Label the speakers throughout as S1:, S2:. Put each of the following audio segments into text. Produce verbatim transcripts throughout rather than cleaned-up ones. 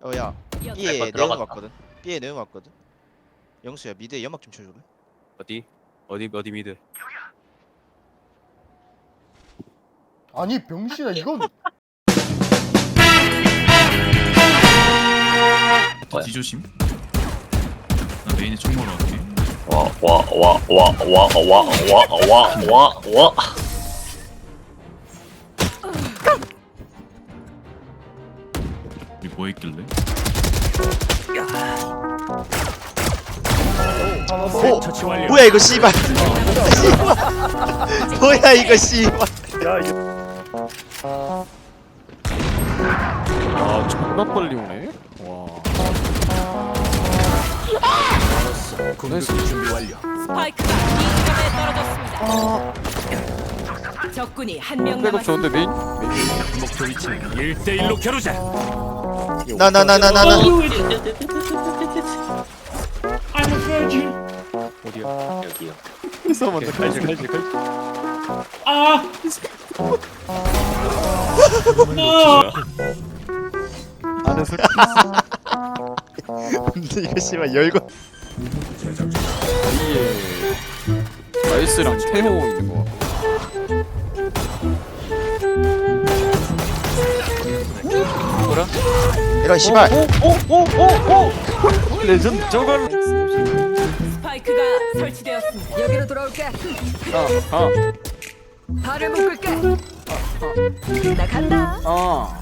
S1: 어야 B에
S2: 거
S1: 내용
S2: 들어갔다.
S1: 왔거든. B에 내용 왔거든. 영수야 미드에 연막 좀 쳐줄래?
S2: 어디? 어디 어디 미드?
S3: 아니 병신아 이건
S2: 뭐야?
S4: 뒤조심. 나 메인에 총 먹으러 갈게.
S2: 와 와 와 와 와 와 와 와 와.
S4: 우리 뭐 했길래?
S1: 오! 뭐야 이거 씨발. 뭐야 이거 씨발.
S5: 아 존나 빨리 오네. 와.
S6: 스파이크가 이 지점에 떨어졌습니다. 적군이 한 명
S5: 백업
S6: 남았습니다.
S5: 좋은데 메인?
S4: 목표 위치는 일 대 일로 겨루자.
S1: 나 나 나 나 나 나.
S2: 어디야? 여기요.
S5: 그래서 먼저 갈지 갈지 갈지. 안에서
S1: 근데 이거 씨발 열고.
S5: 위에 나이스랑 태호 있는 거. 뭐라?
S1: 이런 씨발.
S5: 오오오오오 레전드 저걸.
S6: 스파이크가 설치되었습니다. 여기로 돌아올게.
S5: 아아
S6: 발을 묶을게. 나 간다.
S5: 아.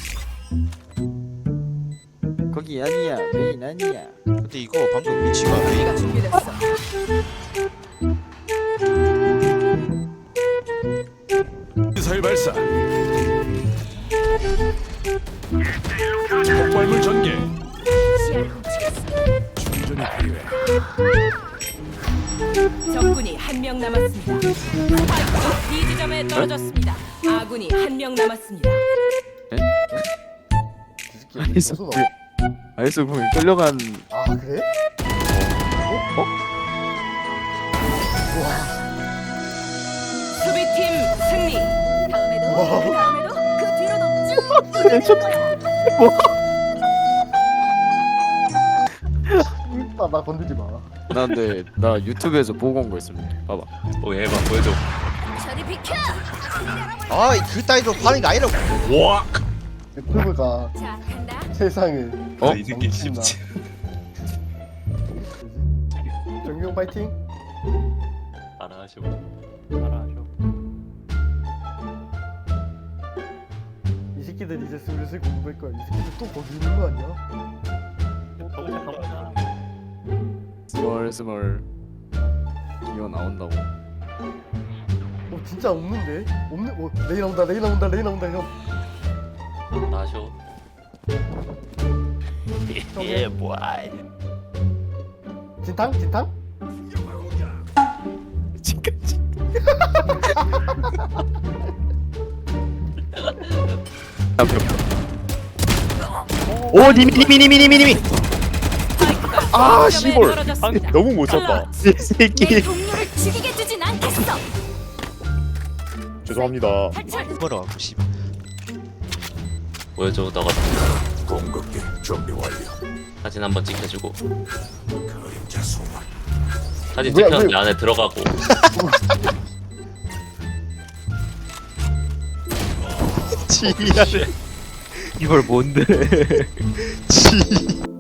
S5: 거기 아니야 메인 아니야.
S1: 근데 이거 방금 위치가 왜
S6: 우리가 준비됐어.
S4: 미사일 발사. 폭발물 전개. 충전이 필요해.
S6: 적군이 한 명 남았습니다. 스파이크가 B 지점에 떨어졌습니다. 아군이 한 명 남았습니다.
S3: 이 새끼 어디서 나와?
S5: 아이스 공이 끌려간.
S3: 아 그래? 어? 어? 와
S6: 수비팀 승리. 다음에도
S3: 와.
S6: 그 다음에도 그 뒤로도 쭉.
S3: 나, 나 건들지 마.
S5: 나 근데 나 유튜브에서 보고 온 거 있을래. 봐봐.
S2: 오 얘봐 보여줘.
S6: 저리 비켜.
S1: 아그 따위로 파는 게 아니라고.
S2: 와.
S3: 유튜브가
S6: 자 간다.
S3: 세상을
S5: 어?
S2: 이 새끼
S3: 멈춘다.
S2: 쉽지.
S3: 정경 파이팅.
S2: 알아하셔. 알아하셔.
S3: 이 새끼들 이제 슬슬 공부할 거야. 이 새끼들 또 거기 있는 거 아니야?
S2: 가보자 가보자.
S5: 스멀 스멀 기어 나온다고.
S3: 어 진짜 없는데? 없네. 어 레이 나온다. 레이 나온다. 레이 나온다 형.
S2: 나셔. 예 뭐야.
S3: 진탕? 진탕?
S5: 지금까지.
S1: 오 니미 니미 니미 니미 니미.
S6: 아
S1: 아,
S6: 시골.
S1: 너무 못 썼다. 이
S6: 내
S1: 새끼.
S6: 동료를 죽이게 두진 않겠어.
S1: 죄송합니다.
S6: 탈출.
S1: 뭐라 갖고 씨발.
S2: 보여줘 너가. 공격기 준비 완료. 사진 한번 찍혀주고. 사진
S3: 뭐야,
S2: 찍혔는데
S3: 뭐야.
S2: 안에 들어가고.
S1: 지랄.
S2: 이걸 뭔데?
S1: 지.